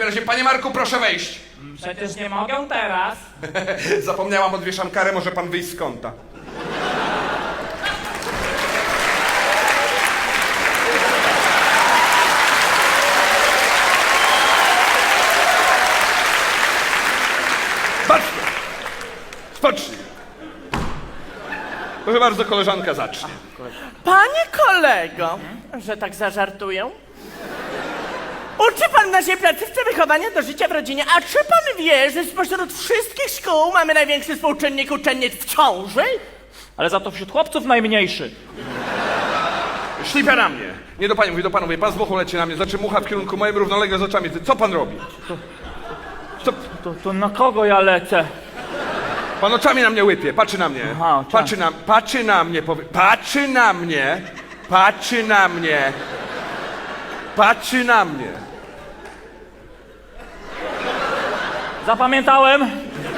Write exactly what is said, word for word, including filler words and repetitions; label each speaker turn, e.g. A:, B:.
A: takim razie, panie Marku, proszę wejść.
B: Przecież nie mogę teraz.
A: Zapomniałam, odwieszam karę, może pan wyjść z kąta. Patrzcie! Spocznij. Proszę bardzo, koleżanka zacznie.
C: Panie kolego, że tak zażartuję, uczy pan w naszej placówce wychowania do życia w rodzinie, a czy pan wie, że spośród wszystkich szkół mamy największy współczynnik uczennic w ciąży?
B: Ale za to wśród chłopców najmniejszy.
A: Szlipia na mnie. Nie do pani, mówię do panu, mówię, pan z muchą leci na mnie, znaczy mucha w kierunku moim równolegle z oczami. Co pan robi? Co?
B: To, to na kogo ja lecę?
A: Pan oczami na mnie łypie, patrzy na mnie.
B: Aha, oczami.
A: Patrzy na, patrzy na mnie, powie, patrzy na mnie, patrzy na mnie, patrzy na mnie.
B: Zapamiętałem.